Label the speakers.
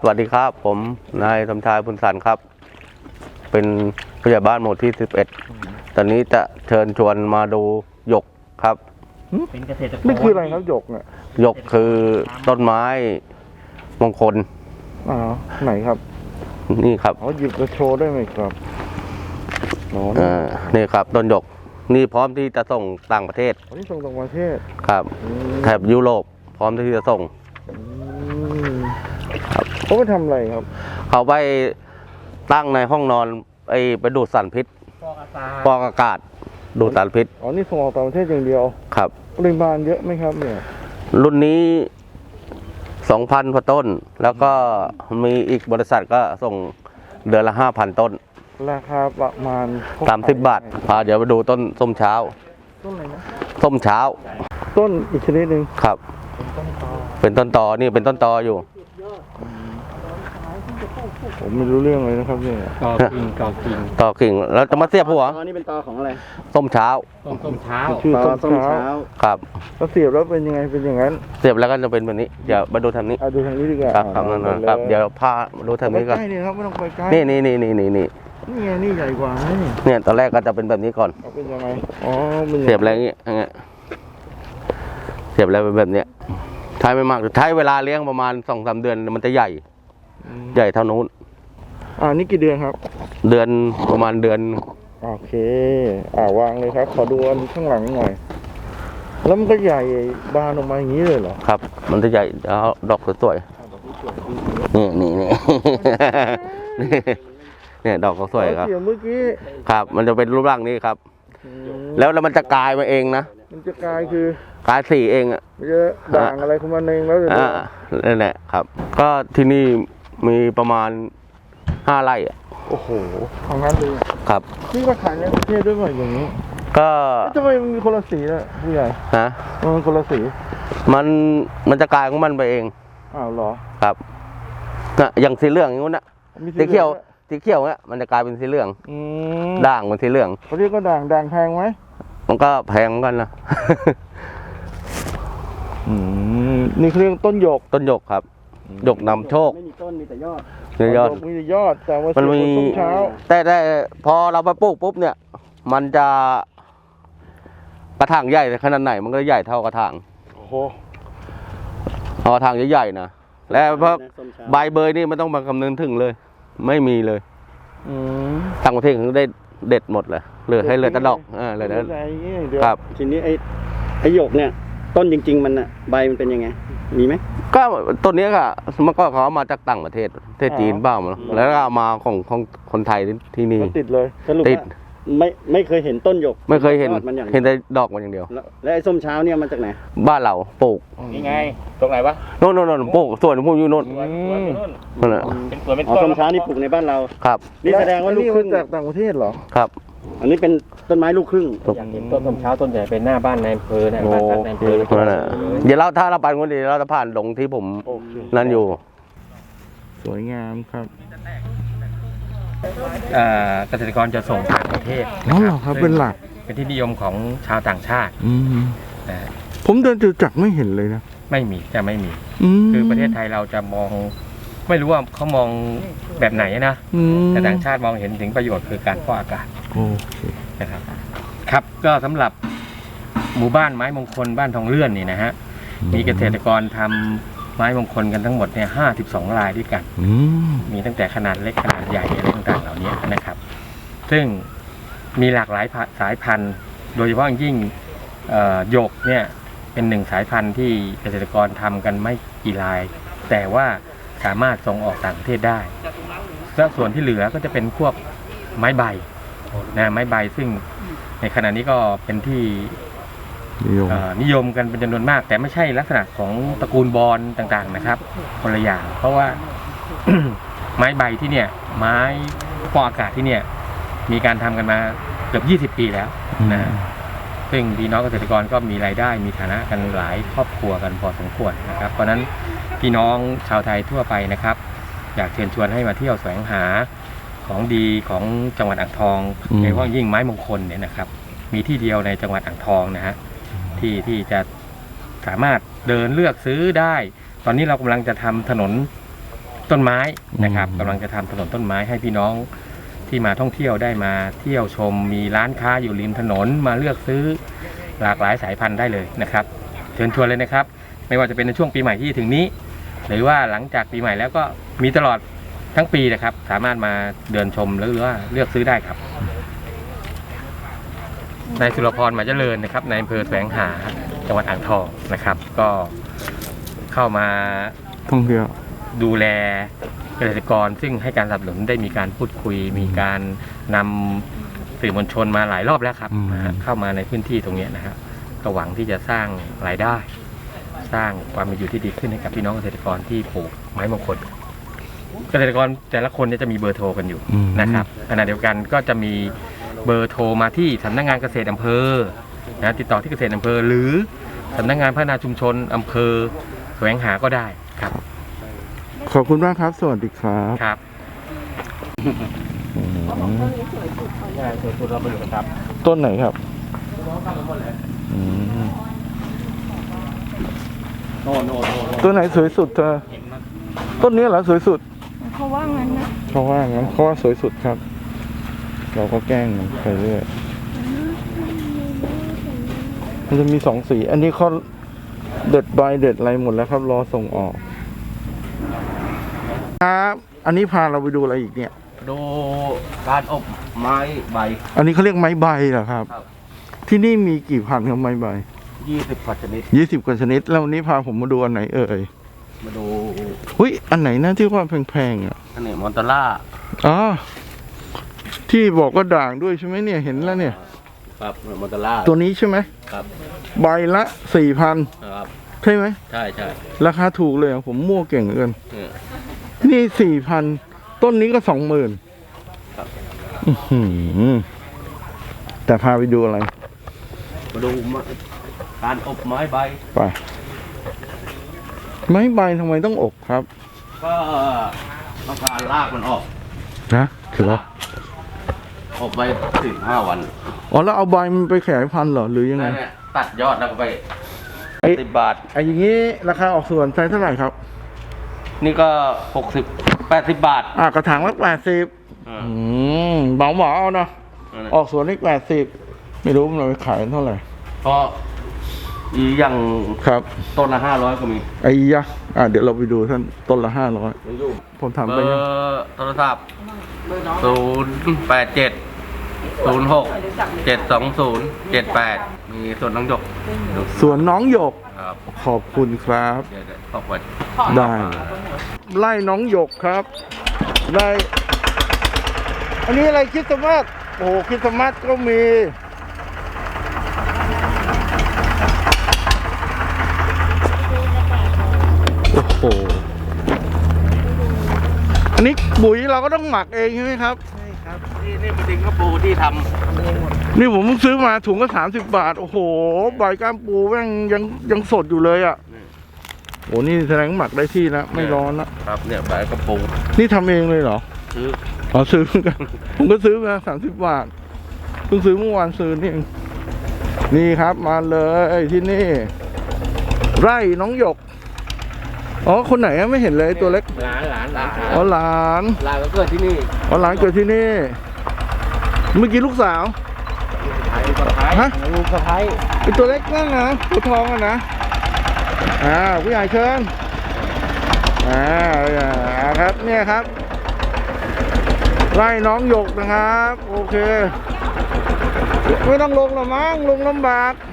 Speaker 1: สวัสดีครับผมนายสมชายบุญสันครับเป็นผู้ใหญ่บ้านหมู่ที่11ตอนนี้จะเชิญชวนมาดูหยกครับ
Speaker 2: เป็นเกษตรกร
Speaker 3: นี่คืออะไรครับหยกเนี่ย
Speaker 1: หยกคือต้นไม้มงคล
Speaker 3: ไหนครับ
Speaker 1: นี่ครับ
Speaker 3: หยิบมาโชว์ได้ไหมครับ
Speaker 1: นี่ครับต้นหยกนี่พร้อมที่จะส่งต่างประเทศ
Speaker 3: นี่ส่งต่างประเทศ
Speaker 1: ครับแถบยุโรปพร้อมที่จะส่ง
Speaker 3: เขาไปทำอะไรครับ
Speaker 1: เขาไปตั้งในห้องนอนไปดูดสารพิษฟอกอากาศดูดสารพิษ
Speaker 3: นี่ส่งออกต่างประเทศอย่างเดียว
Speaker 1: ครับ
Speaker 3: ปริมาณเยอะไหมครับเนี่ย
Speaker 1: รุ่นนี้ 2,000 กว่าต้นแล้วก็มีอีกบริษัทก็ส่งเดือนละ 5,000 ต้น
Speaker 3: ราคาประมาณ
Speaker 1: 30 บาทเดี๋ยวไปดูต้นส้มเช้า
Speaker 3: ต้นอะไรนะ
Speaker 1: ส้มเช้า
Speaker 3: ต้นอีกชนิดหนึ่ง
Speaker 1: ครับเป็นต้นตอนี่เป็นต้นตออยู่
Speaker 3: ผมไม่รู้เรื่องเลยนะครับเนี่ย
Speaker 1: ต่อกิ่งแล้วจะมาเสียบหัว
Speaker 2: นี่เป็นตอของอะไร
Speaker 1: ส้มเช้า
Speaker 3: ชื่อส้มเช้า
Speaker 1: ครับ
Speaker 3: แล้วเสียบแล้วเป็นยังไงเป็นอย่างนั้น
Speaker 1: เสียบแล้วก็จะเป็นแบบนี้เดี๋ยวมาดูทางนี้
Speaker 3: ดูทางนี้ดีกว่า
Speaker 1: ครับเดี๋ยวพาดูทางนี้ก่อน
Speaker 3: ใกล้ๆครับไม่ต้องไปใกล้
Speaker 1: นี่
Speaker 3: ไงนี่ใหญ่กว่า
Speaker 1: เนี่ยตอนแรกก็จะเป็นแบบนี้ก่อน
Speaker 3: เป็นยังไง
Speaker 1: เสียบแล้วอย่างเงี้ยเสียบแล้วเป็นแบบเนี้ยใช้ไม่มากใช้เวลาเลี้ยงประมาณ 2-3 เดือนมันจะใหญ่เท่านู้น
Speaker 3: นี่กี่เดือนครับ
Speaker 1: เดือนประมาณเดือน
Speaker 3: โอเควางเลยครับขอดูอันข้างหลังหน่อยแล้วมันก็ใหญ่บานออกมาอย่างนี้เลยเหรอ
Speaker 1: ครับมันจะใหญ่แล้วดอกสวยๆนี่เนี่ยดอกเขาสวยครับ
Speaker 3: เมื่อกี้
Speaker 1: ครับมันจะเป็นรูปร่างนี้ครับแล้วมันจะกลายมาเองนะ
Speaker 3: มันจะกลายคือก
Speaker 1: ลายสีเองอ่ะ
Speaker 3: มันจะด่างอะไรของมันเองแล้ว
Speaker 1: นั่นแหละครับก็ที่นี่มีประมาณ5 ไร่อ่ะ
Speaker 3: โอ้โหของนั้นเลย
Speaker 1: ครับ
Speaker 3: นี่ก็ขายในประเทศด้วยอย่างนี้
Speaker 1: ก็
Speaker 3: ทำไมมันมีคนละสีล่ะผู้ใหญ่มันคนละสี
Speaker 1: มันจะกลายของมันไปเอง
Speaker 3: เหรอ
Speaker 1: ครับอย่างสีเหลืองอย่างนู้นนะสีเขียวเนี่ยมันจะกลายเป็นสีเหลืองด่างเป็นสีเหลือง
Speaker 3: เขาเรียกก็ด่างแพงไหม
Speaker 1: มันก็แพงกันนะ
Speaker 3: นี่คือเรื่องต้นหย
Speaker 1: กครับหยกนำโชค
Speaker 2: ไม่มีต้นมีแต่ยอด
Speaker 3: มีแต่ยอดแต่ว่า
Speaker 1: มันมี
Speaker 3: ต้นเช้า
Speaker 1: แต่พอเราไปปลูกปุ๊บเนี่ยมันจะกระถางใหญ่ขนาดไหนมันก็ใหญ่เท่ากระถางกระถางใหญ่ๆนะแล้วพอใบเบยนี่ไม่ต้องมาคำนึงถึงเลยไม่มีเลยต่างประเทศเขาได้เด็ดหมดเลยเหลือให้เหลือแต่ดอกเลยนะครับ
Speaker 2: ทีนี้ไอ้หยกเนี่ยต้นจริงๆมันใบมันเป็นยังไงมีไหม
Speaker 1: ก็ต้นนี้ก็มันก็เขามาจากต่างประเทศจีนบ้างแล้วก็มาของคนไทยที่นี่
Speaker 3: ติดเลย
Speaker 1: ติด
Speaker 2: ไม่เคยเห็นต้นหยก
Speaker 1: ไม่เคยเห็นแต่ดอกมันอย่างเดียว
Speaker 2: แล้วไอ้ส้มเช้าเนี่ยมาจากไหน
Speaker 1: บ้านเราปลูก
Speaker 4: นี่ไงตรงไหนวะ
Speaker 1: โน่นปลูกส่วนผมอยู่โน่น
Speaker 4: นั่นแหละเป็นสวนเป็นต้น
Speaker 2: ส้มเช้านี่ปลูกในบ้านเรา
Speaker 1: ครับ
Speaker 2: นี่แสดงว่าลูกครึ่ง
Speaker 3: จากต่างประเทศเหรอ
Speaker 1: ครับ
Speaker 2: อันนี้เป็นต้นไม้ลูกครึ่ง
Speaker 4: อยากเห็นต้นส้มเช้าต้นใหญ่เป็นหน้าบ้านนายอำเภอเนี่ยบ้านนายอำเภอ
Speaker 1: เดี๋ยวถ้าเราไปคนเดียวเราจะผ่านลงที่ผมนั่นอยู่
Speaker 3: สวยงามครับ
Speaker 4: เกษตรกรจะส่งต่างประเทศ
Speaker 3: ครับเป็นหลัก
Speaker 4: เป็นที่นิยมของชาวต่างชาติ
Speaker 3: ผมเดินจตุจักรไม่เห็นเลยนะ
Speaker 4: ไม่มีคือประเทศไทยเราจะมองไม่รู้ว่าเขามองแบบไหนนะแต่ต่างชาติมองเห็นถึงประโยชน์คือการฟอกอากาศนะครับครับก็สำหรับหมู่บ้านไม้มงคลบ้านทองเลื่อนนี่นะฮะมีเกษตรกรทำไม้มงคลกันทั้งหมดเนี่ย52 รายด้วยกันมีตั้งแต่ขนาดเล็กขนาดใหญ่อะไรต่างๆเหล่านี้นะครับซึ่งมีหลากหลายสายพันธุ์โดยเฉพาะยิ่งหยกเนี่ยเป็น1 สายพันธุ์ที่เกษตรกรทำกันไม่กี่รายแต่ว่าสามารถส่งออกต่างประเทศได้และส่วนที่เหลือก็จะเป็นพวกไม้ใบไม้ใบซึ่งในขณะนี้ก็เป็นที่นิยมกันเป็นจำนวนมากแต่ไม่ใช่ลักษณะของตระกูลบอนต่างๆนะครับคนละอย่างเพราะว่า ไม้ใบที่เนี่ยไม้ฟอกอากาศที่เนี่ยมีการทำกันมาเกือบ20 ปีแล้วนะซึ่งพี่น้องเกษตรกรก็มีรายได้มีฐานะกันหลายครอบครัวกันพอสมควรนะครับเพราะนั้นพี่น้องชาวไทยทั่วไปนะครับอยากเชิญชวนให้มาเที่ยวแสวงหาของดีของจังหวัดอ่างทองโดยเฉพาะยิ่งไม้มงคลเนี่ยนะครับมีที่เดียวในจังหวัดอ่างทองนะฮะที่จะสามารถเดินเลือกซื้อได้ตอนนี้เรากำลังจะทำถนนต้นไม้นะครับกำลังจะทำถนนต้นไม้ให้พี่น้องที่มาท่องเที่ยวได้มาเที่ยวชมมีร้านค้าอยู่ริมถนนมาเลือกซื้อหลากหลายสายพันธุ์ได้เลยนะครับเชิญชวนเลยนะครับไม่ว่าจะเป็นในช่วงปีใหม่ที่ถึงนี้หรือว่าหลังจากปีใหม่แล้วก็มีตลอดทั้งปีนะครับสามารถมาเดินชมหรือว่าเลือกซื้อได้ครับนายสุรพรหมาเจริญนะครับในอำเภอแสวงหาจังหวัดอ่างทองนะครับก็เข้ามา
Speaker 3: ท่องเที่ยว
Speaker 4: ดูแลเกษตรกรซึ่งให้การสนับสนุนได้มีการพูดคุยมีการนำสื่อมวลชนมาหลายรอบแล้วครับเข้ามาในพื้นที่ตรงนี้นะครับก็หวังที่จะสร้างรายได้ สร้างความเป็นอยู่ที่ดีขึ้นให้กับพี่น้องเกษตรกรที่ปลูกไม้มงคลเกษตรกรแต่ละคนจะมีเบอร์โทรกันอยู่นะครับขณะเดียวกันก็จะมีเบอร์โทรมาที่สำนักงานเกษตรอำเภอนะติดต่อที่เกษตรอำเภอหรือสำนักงานพัฒนาชุมชนอำเภอแสวงหาก็ได้ครับ
Speaker 3: ขอบคุณมากครับ สวัสดีครับ
Speaker 4: ครับ
Speaker 3: ต้นไหนครับอืมต้นไหนสวยสุดเธอต้นนี้เหรอสวยสุด
Speaker 5: เขาว่างั้นนะ
Speaker 3: เขาว่างั้นเขาว่าสวยสุดครับ เราก็แกล้งมันไปเรื่อยมันจะมีสองสี อันนี้เขาเด็ดใบเด็ดอะไรหมดแล้วครับ รอส่งออกครับอันนี้พาเราไปดูอะไรอีกเนี่ย
Speaker 1: ดูการอบไม้ใบ
Speaker 3: อันนี้เขาเรียกไม้ใบเหรอครับ
Speaker 1: ครับ
Speaker 3: ที่นี่มีกี่พันครับไม้ใบ
Speaker 1: 20 กว่าชนิด
Speaker 3: 20 กว่าชนิด แล้ววันนี้พาผมมาดูอันไหนเอ่ย
Speaker 1: มาดู
Speaker 3: หุ้ยอันไหนนะที่ว่าแพงๆอ่ะ
Speaker 1: อันนี้มอนตาร่า
Speaker 3: อ๋อที่บอกว่าด่างด้วยใช่ไหมเนี่ยเห็นแล้วเนี่ย
Speaker 1: ครับมอนตาร่า
Speaker 3: ตัวนี้ใช่ไหม
Speaker 1: ครับ
Speaker 3: ใบละ 4,000
Speaker 1: ครับ
Speaker 3: ใช่ไหม
Speaker 1: ใช่ใช่
Speaker 3: ราคาถูกเลยอะผมมั่วเก่งเหลือเกิน
Speaker 1: เนี่ย
Speaker 3: นี่ 4,000 ต้นนี้ก็ 20,000
Speaker 1: ครับ
Speaker 3: อื้อหือแต่พาไปดูอะไร
Speaker 1: มาดูการอบไม้ใบ
Speaker 3: ไป ไม้ใบทำไมต้องอบครับ
Speaker 1: ก็ต้องการลากมันออก
Speaker 3: นะคือว่า
Speaker 1: อบไป15 วัน
Speaker 3: อ๋อแล้วเอาใบมันไปขยายพันธุ์เหรอหรือยังไง
Speaker 1: นั่นแหละตัดยอดแล้วก็ไป
Speaker 3: ไอ้
Speaker 1: 10 บาท
Speaker 3: ไอ้อย่างนี้ราคาออกส่วนไซส์เท่าไหร่ครับ
Speaker 1: นี่ก็ 80 บาท
Speaker 3: กระถางละ80เบาๆเอาเนาะ
Speaker 1: นั่นแหละ
Speaker 3: ออกส่วนนี่80 ไม่รู้มันเอาไปขายเท่าไหร่
Speaker 1: เพราะอีอย่าง
Speaker 3: ครับ
Speaker 1: ต้นละ500ก็มี
Speaker 3: ไอ้ยะเดี๋ยวเราไปดูท่านต้นละ500ผมถาม
Speaker 1: เบ
Speaker 3: ไป
Speaker 1: อ
Speaker 3: ยัง
Speaker 1: ร์โทรศัพท์087 06 720 78 มีส่วนน้องหยก
Speaker 3: สวนน้องหยก
Speaker 1: ครับ
Speaker 3: ขอบคุณครับ
Speaker 1: เดี๋ยวขอบคุณ
Speaker 3: ได้ ไล่น้องหยกครับไล่อันนี้อะไรคริสต์มาสโอ้โหคริสต์มาสก็มีโอ้โหอันนี้ปุ๋ยเราก็ต้องหมักเองใช่ไหมครับ
Speaker 1: นี่เป็นดินกระปูที่ท
Speaker 3: นี่ผมเพิ่งซื้อมาถุงก็30 บาท โอ้โหใบก้ามปูแม่งยังสดอยู่เลยอ่ะโอ้นี่แสดงหมักได้ที่แล้วไม่ร้อนละ
Speaker 1: ำครับเนี่ยใบกระปู
Speaker 3: นี่ทำเองเลยเหรอ
Speaker 1: ซื้อ
Speaker 3: อ๋อซื้อเหมือนกัน ผมก็ซื้อมา30 บาทเพิ่งซื้อเมื่อวานซื้อนี่เองนี่ครับมาเลยที่นี่ ไร่น้องหยกอ๋อคนไหนอะไม่เห็นเลยตัวเล็ก
Speaker 1: หลาน
Speaker 3: อ๋อหลาน
Speaker 1: ก็เกิดที่นี่
Speaker 3: อ๋อหลานเกิดที่นี่ เมื่อกี้ลูกสาว ฮะ
Speaker 1: ลูกสะพ้าย
Speaker 3: ไอตัวเล็กนั่นนะตัวทองอะนะผู้ใหญ่เชิญครับเนี่ยครับไล่น้องหยกนะครับ โอเค ไม่ต้องลงหรอมั้งลงลำบาก